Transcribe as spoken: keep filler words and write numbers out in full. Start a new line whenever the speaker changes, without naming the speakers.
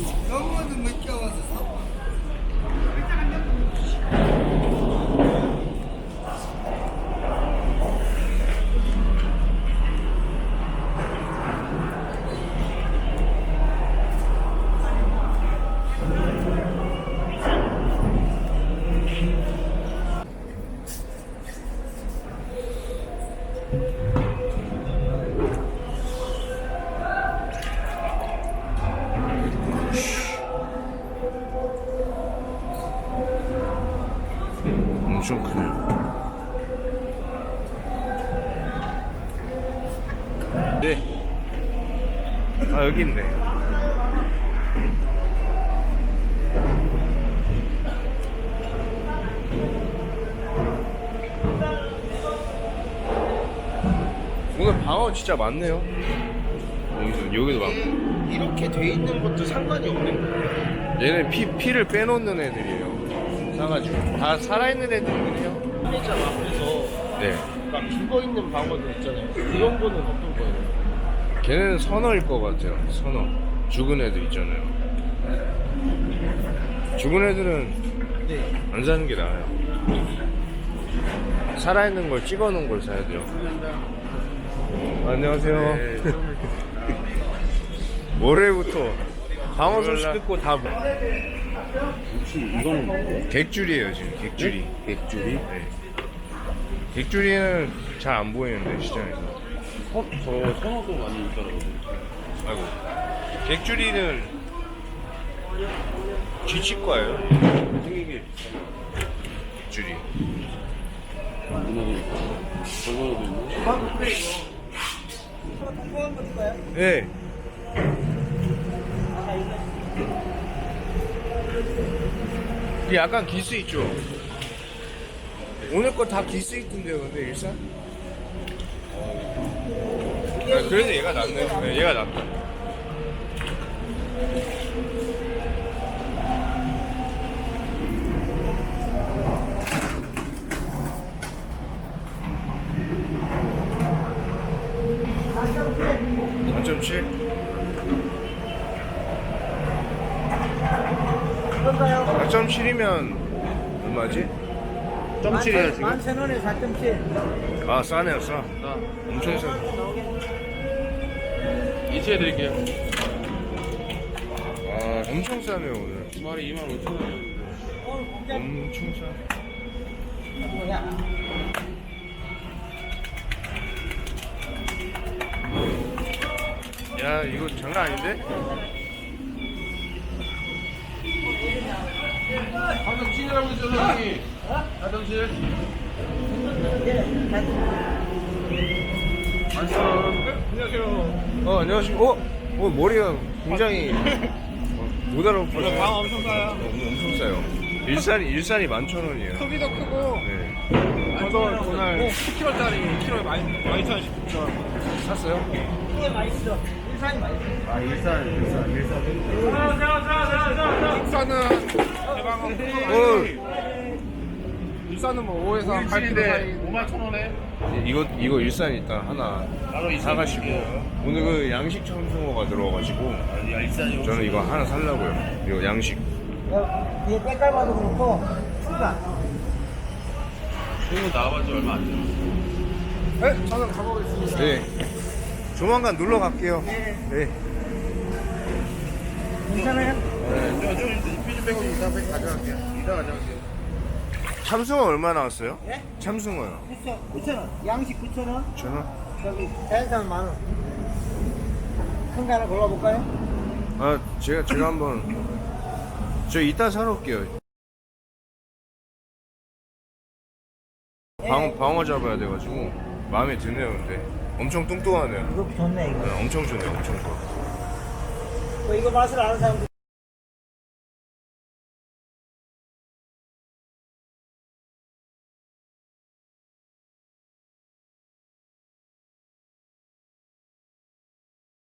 너무도 늦게 와서 사고.
엄청 크네요. 네. 아, 여기 있네. 오늘 방어 진짜 많네요. 여기도, 여기도 많고.
이렇게 돼 있는 것도 상관이 없는 거예요.
얘는 피, 피를 빼놓는 애들이에요. 사가지고. 다 살아있는 애들이긴 해요.
풀리잖아. 그래서
네.
막 죽어 있는 방어들 있잖아요. 그런 거는 어떤 거예요?
걔는 선어일 것 같아요. 선어. 죽은 애들 있잖아요. 죽은 애들은
네.
안 사는 게 나아요. 살아있는 걸 찍어 놓은 걸 사야 돼요. 안녕하세요.
네.
월요일부터 방어 소식 듣고 다 뭐-
혹시 이거는 뭔데?
객줄이에요 지금. 객줄이.
객줄이?
네. 객줄이는 잘 안 보이는데 시장에서.
선, 저 선호도 많이 있더라고요.
아이고. 객줄이는 쥐치과예요.
생기게
객줄이.
문화도 있고 저거도 있고.
네. 이게 약간 기스 있죠. 오늘 거 다 기스 있던데요, 근데 일산? 아, 그래도 얘가 낫네. 네, 얘가 낫다. 사 점 칠? 사 점 칠이면 얼마지? 점 칠이야 지금?
만천 원에 사 점 칠.
아 싸네요 싸. 엄청 싸.
이체해드릴게요.
아 엄청 싸네요 오늘.
두 마리 이만 오천 원.
엄청 싸. 야 이거 장난 아닌데?
삼 점 칠이라고 했죠, 선생님? 사 점 칠?
안녕하세요. 어 안녕하십니까. 어? 어 머리가 굉장히 어, 못 알아보죠.
방 엄청 싸요.
어, 엄청 싸요. 일산이 일산이 만천 원이에요.
크기도 크고.
네.
저도 오늘 십 킬로짜리 킬로에 만 이천 원씩 줬죠.
샀어요?
이게 맛있어. 일산이 맛있어.
아 일산 일산 일산.
일산은 대방어.
어.
일산은 뭐 오에서 팔 킬로미터 사이.
오만 천 원에?
이거 이거 일산 일단 하나 사가시고 오늘 그 양식 청송어가 들어와가지고
야, 일산이
저는 이거 하나 살라고요. 이거 양식.
이게 때깔봐도 그렇고 수가.
지금 나와본 지 얼마 안 됐어.
네, 저는 가보겠습니다.
네. 조만간 놀러 갈게요. 네.
괜찮아요?
저, 저, 피지 빼고 이따 빼 가져갈게요. 이따 가져갈게요.
참숭어 얼마 나왔어요?
예?
참숭어요.
구천 원. 양식 구천 원.
천 원?
저기 자연산 만 원. 큰 거 하나 골라볼까요?
아 제가 제가 한번 저 이따 사러 올게요. 방어 방어 잡아야 돼가지고 마음에 드네요. 근데 엄청 뚱뚱하네요.
이거 좋네 이거.
네, 엄청 좋네요. 엄청 좋아.
뭐 이거 맛을 아는 사람들.